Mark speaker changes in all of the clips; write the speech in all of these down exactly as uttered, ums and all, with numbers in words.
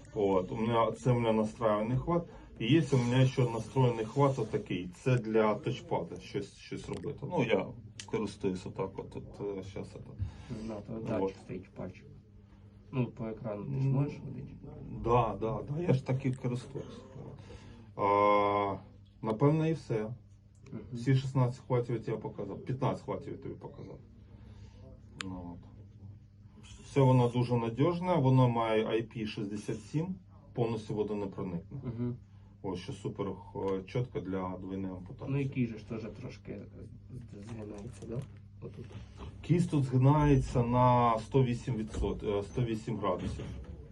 Speaker 1: Вот. У меня, це у мене настроєний хват. І є у мене ще настроєний хват отакий. Це для тачпада, щось, щось робити. Ну, я користуюся так от. от зараз це.
Speaker 2: Да, то
Speaker 1: Вот.
Speaker 2: датчик стоїть пальчик. Ну, по екрану ти ж можеш водити?
Speaker 1: Да, да, да, я ж так і користуюся. А, напевно, і все.
Speaker 2: Мгм.
Speaker 1: Всі шістнадцять хватів я тебе показав. п'ятнадцять хватів я тобі показав. Ну, от. Все воно дуже надіжне, воно має ай пі шістдесят сім, повністю водонепроникне.
Speaker 2: Угу.
Speaker 1: Ось що супер е, чітко для двойної ампутації.
Speaker 2: Ну і кій же ж теж трошки згинається, да? Отут.
Speaker 1: Кість тут згинається на сто вісім відсотків, е, сто вісім градусів.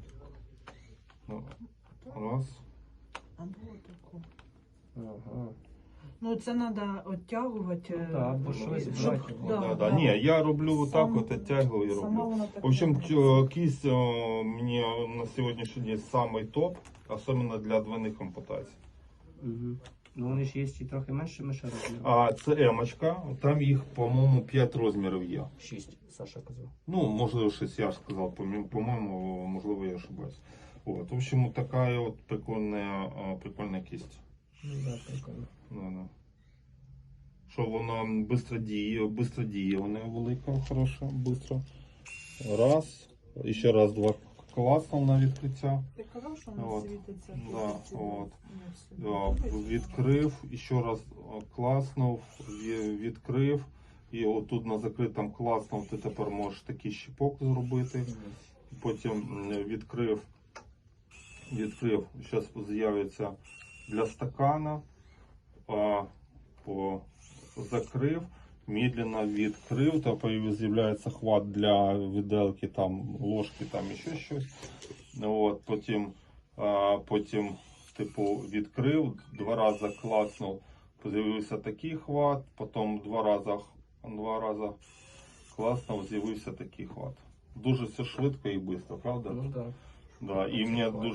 Speaker 1: Ну, раз.
Speaker 3: Або таку.
Speaker 2: Ага.
Speaker 3: Ну це треба оттягувати.
Speaker 2: Ну, так, бо щось
Speaker 3: щоб-
Speaker 2: брати.
Speaker 1: Да,
Speaker 3: да,
Speaker 1: да.
Speaker 3: да.
Speaker 1: Ні, я роблю отак,
Speaker 3: Сам-
Speaker 1: от оттягую і
Speaker 3: Сама
Speaker 1: роблю.
Speaker 3: вона так
Speaker 1: В общем,
Speaker 3: не
Speaker 1: тё- кисть э, мне на сегодняшний день самый топ, особенно для двойных ампутаций.
Speaker 2: Угу. Ну вони ж є і трохи меншими ще розміром.
Speaker 1: А це емочка, там їх, по-моєму, п'ять розмірів є.
Speaker 2: Шість, Саша казав.
Speaker 1: Ну, можливо, щось я ж сказав, по- по-моєму, можливо, я ошибаюсь. Вот. В общем, така от прикольна, а, прикольна кисть.
Speaker 2: Ну да, прикольно.
Speaker 1: Да, да. Що воно швидко діє, швидко діє, вона велика, хороша, швидко. Раз, і ще раз, два. Класно на відкриття.
Speaker 3: Ти казав, що вона
Speaker 1: От.
Speaker 3: світиться?
Speaker 1: Да,
Speaker 3: Ці-
Speaker 1: от.
Speaker 3: ці-
Speaker 1: Да, відкрив, і ще раз о, класнув, ві- відкрив. І отут на закритому класнув, ти тепер можеш такий щіпок зробити. Потім м, відкрив, відкрив, зараз з'явиться для стакана, а, по, закрив, медленно відкрив, та з'являється хват для виделки, там, ложки, там ще щось. От, потім, а, потім типу, відкрив, два рази класнув, з'явився такий хват, потім два рази, два рази класнув, з'явився такий хват. Дуже все швидко і швидко, правда?
Speaker 2: Ну так.
Speaker 1: Да, і мені дуже